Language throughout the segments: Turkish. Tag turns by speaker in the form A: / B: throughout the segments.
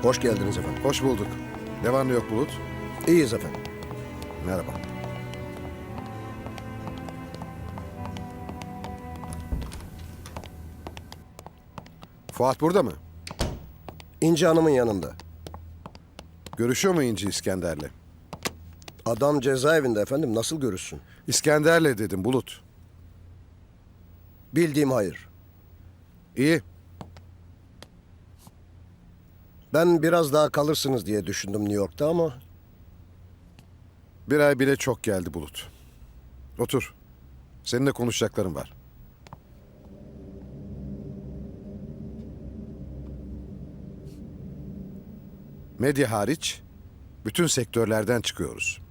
A: Hoş geldiniz efendim.
B: Hoş bulduk. Ne var ne yok Bulut?
A: İyiyiz efendim.
B: Merhaba. Fuat burada mı?
A: İnci Hanım'ın yanında.
B: Görüşüyor mu İnci İskender'le?
A: Adam cezaevinde efendim. Nasıl görüşsün?
B: İskender'le dedim Bulut.
A: Bildiğim hayır.
B: İyi.
A: Ben biraz daha kalırsınız diye düşündüm New York'ta ama...
B: Bir ay bile çok geldi Bulut. Otur. Seninle konuşacaklarım var. Medya hariç bütün sektörlerden çıkıyoruz.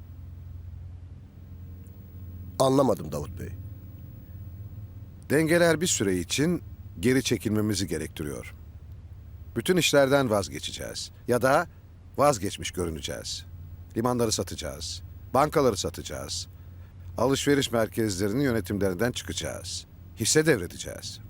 A: Anlamadım Davut Bey.
B: Dengeler bir süre için geri çekilmemizi gerektiriyor. Bütün işlerden vazgeçeceğiz. Ya da vazgeçmiş görüneceğiz. Limanları satacağız. Bankaları satacağız. Alışveriş merkezlerinin yönetimlerinden çıkacağız. Hisse devredeceğiz.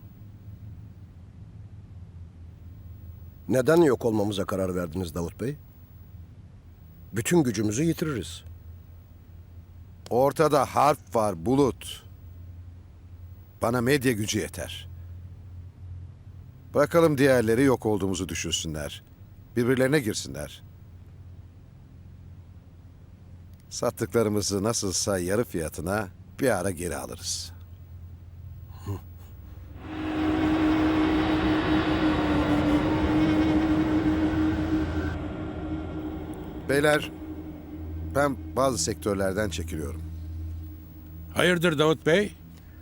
A: Neden yok olmamıza karar verdiniz Davut Bey? Bütün gücümüzü yitiririz.
B: Ortada harf var Bulut. Bana medya gücü yeter. Bırakalım diğerleri yok olduğumuzu düşünsünler. Birbirlerine girsinler. Sattıklarımızı nasılsa yarı fiyatına bir ara geri alırız. Beyler, ben bazı sektörlerden çekiliyorum.
C: Hayırdır Davut Bey?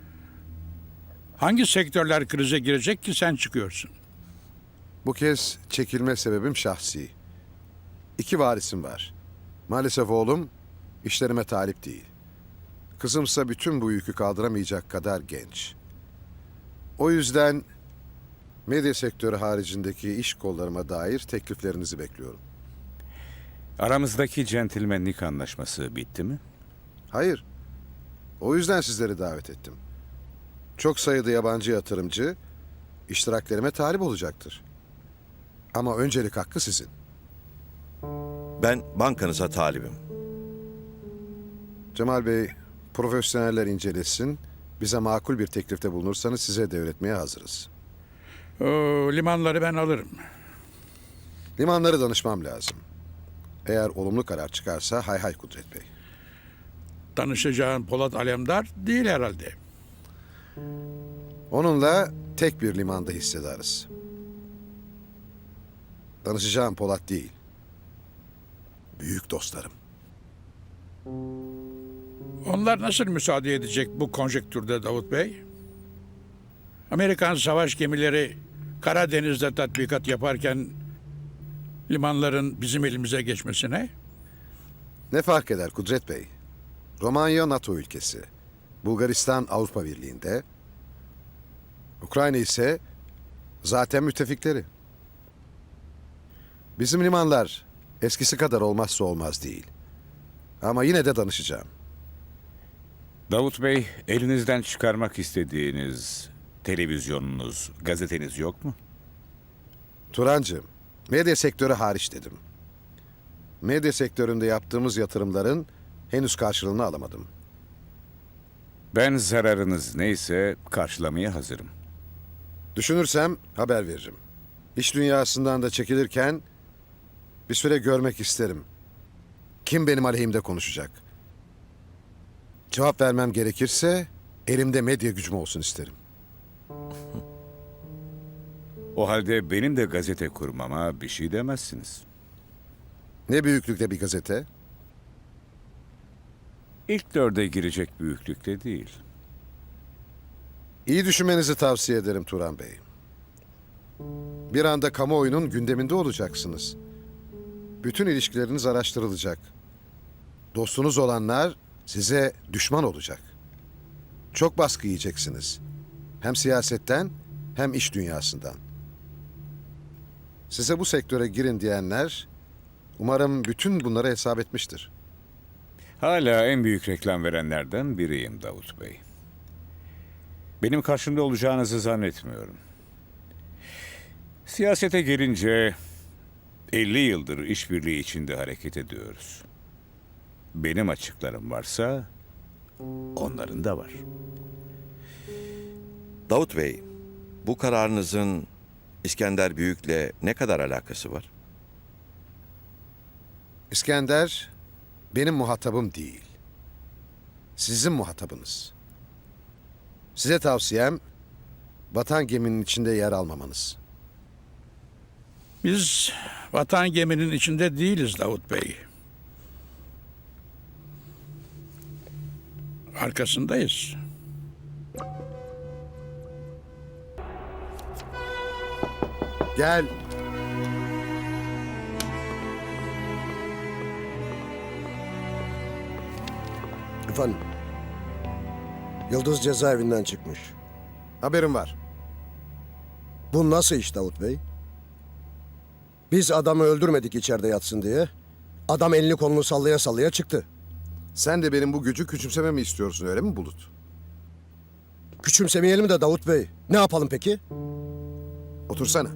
C: Hangi sektörler krize girecek ki sen çıkıyorsun?
B: Bu kez çekilme sebebim şahsi. 2 varisim var. Maalesef oğlum işlerime talip değil. Kızımsa bütün bu yükü kaldıramayacak kadar genç. O yüzden medya sektörü haricindeki iş kollarıma dair tekliflerinizi bekliyorum.
D: Aramızdaki centilmenlik anlaşması bitti mi?
B: Hayır. O yüzden sizleri davet ettim. Çok sayıda yabancı yatırımcı iştiraklerime talip olacaktır. Ama öncelik hakkı sizin.
E: Ben bankanıza talibim.
B: Cemal Bey, profesyoneller incelesin. Bize makul bir teklifte bulunursanız size devretmeye hazırız.
C: Oo, limanları ben alırım.
B: Limanları danışmam lazım. Eğer olumlu karar çıkarsa hay hay Kudret Bey.
C: Danışacağın Polat Alemdar değil herhalde.
B: Onunla tek bir limanda hissedarız. Danışacağım Polat değil. Büyük dostlarım.
C: Onlar nasıl müsaade edecek bu konjektürde Davut Bey? Amerikan savaş gemileri Karadeniz'de tatbikat yaparken limanların bizim elimize geçmesine?
B: Ne fark eder Kudret Bey? Romanya NATO ülkesi. Bulgaristan Avrupa Birliği'nde. Ukrayna ise zaten müttefikleri. Bizim limanlar eskisi kadar olmazsa olmaz değil. Ama yine de danışacağım.
D: Davut Bey, elinizden çıkarmak istediğiniz televizyonunuz, gazeteniz yok mu?
B: Turancığım, medya sektörü hariç dedim. Medya sektöründe yaptığımız yatırımların henüz karşılığını alamadım.
D: Ben zararınız neyse karşılamaya hazırım.
B: Düşünürsem haber veririm. İş dünyasından da çekilirken bir süre görmek isterim. Kim benim aleyhimde konuşacak? Cevap vermem gerekirse elimde medya gücüm olsun isterim.
D: O halde benim de gazete kurmama bir şey demezsiniz.
B: Ne büyüklükte bir gazete?
D: İlk 4'e girecek büyüklükte değil.
B: İyi düşünmenizi tavsiye ederim Turan Bey. Bir anda kamuoyunun gündeminde olacaksınız. Bütün ilişkileriniz araştırılacak. Dostunuz olanlar size düşman olacak. Çok baskı yiyeceksiniz. Hem siyasetten hem iş dünyasından. Size bu sektöre girin diyenler umarım bütün bunları hesap etmiştir.
D: Hala en büyük reklam verenlerden biriyim Davut Bey. Benim karşımda olacağınızı zannetmiyorum. Siyasete gelince 50 yıldır işbirliği içinde hareket ediyoruz. Benim açıklarım varsa onların da var.
E: Davut Bey, bu kararınızın İskender Büyük'le ne kadar alakası var?
B: İskender benim muhatabım değil. Sizin muhatabınız. Size tavsiyem batan geminin içinde yer almamanız.
C: Biz vatan geminin içinde değiliz Davut Bey. Arkasındayız.
B: Gel.
A: Efendim, Yıldız cezaevinden çıkmış.
B: Haberim var.
A: Bu nasıl iş Davut Bey? Biz adamı öldürmedik içeride yatsın diye. Adam elini kolunu sallaya sallaya çıktı.
B: Sen de benim bu gücü küçümsememi istiyorsun öyle mi Bulut?
A: Küçümsemeyelim de Davut Bey. Ne yapalım peki?
B: Otursana.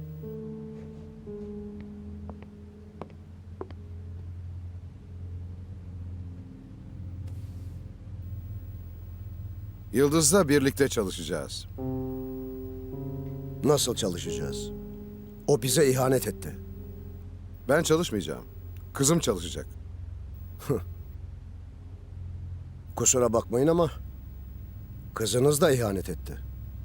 B: Yıldız'la birlikte çalışacağız.
A: Nasıl çalışacağız? O bize ihanet etti.
B: Ben çalışmayacağım. Kızım çalışacak.
A: Kusura bakmayın ama kızınız da ihanet etti.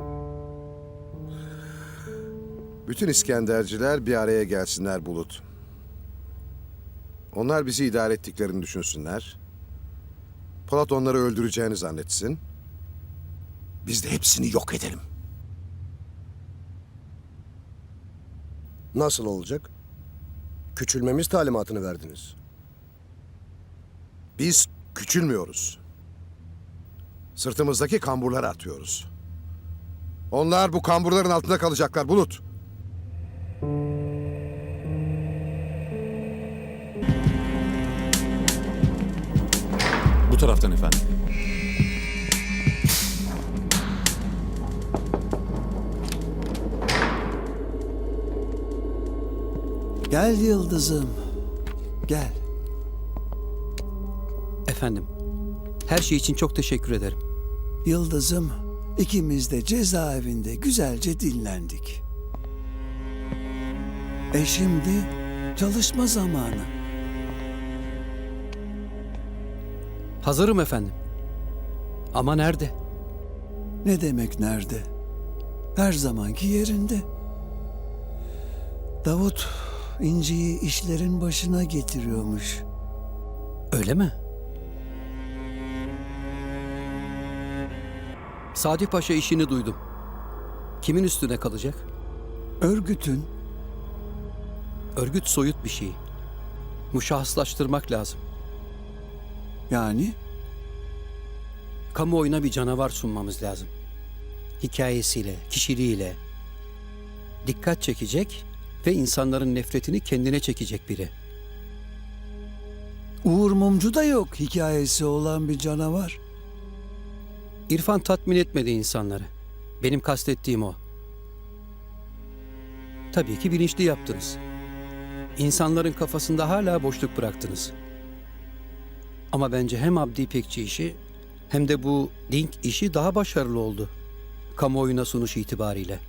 B: Bütün İskenderciler bir araya gelsinler Bulut. Onlar bizi idare ettiklerini düşünsünler. Polat onları öldüreceğini zannetsin. Biz de hepsini yok edelim.
A: Nasıl olacak? Küçülmemiz talimatını verdiniz.
B: Biz küçülmüyoruz. Sırtımızdaki kamburları atıyoruz. Onlar bu kamburların altında kalacaklar Bulut.
F: Bu taraftan efendim.
G: Gel Yıldız'ım, gel.
H: Efendim, her şey için çok teşekkür ederim.
G: Yıldız'ım, ikimiz de cezaevinde güzelce dinlendik. Şimdi çalışma zamanı.
H: Hazırım efendim. Ama nerede?
G: Ne demek nerede? Her zamanki yerinde. Davut, İnci'yi işlerin başına getiriyormuş.
H: Öyle mi? Sadi Paşa işini duydum. Kimin üstüne kalacak?
G: Örgütün
H: Örgüt soyut bir şey. Muşahhaslaştırmak lazım.
G: yani
H: Kamuoyuna bir canavar sunmamız lazım. Hikayesiyle, kişiliğiyle. Dikkat çekecek ve insanların nefretini kendine çekecek biri.
G: Uğur Mumcu da yok hikayesi olan bir canavar.
H: İrfan tatmin etmedi insanları. Benim kastettiğim o. Tabii ki bilinçli yaptınız. İnsanların kafasında hala boşluk bıraktınız. Ama bence hem Abdi İpekçi işi hem de bu Dink işi daha başarılı oldu. Kamuoyuna sunuş itibariyle.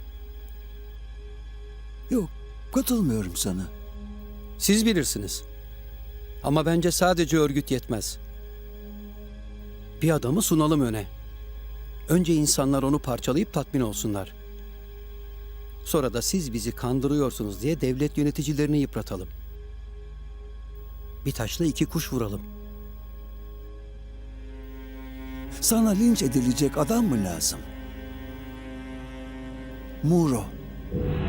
G: Yok, katılmıyorum sana.
H: Siz bilirsiniz. Ama bence sadece örgüt yetmez. Bir adamı sunalım öne. Önce insanlar onu parçalayıp tatmin olsunlar. Sonra da siz bizi kandırıyorsunuz diye devlet yöneticilerini yıpratalım. Bir taşla iki kuş vuralım.
G: Sana linç edilecek adam mı lazım? Muro.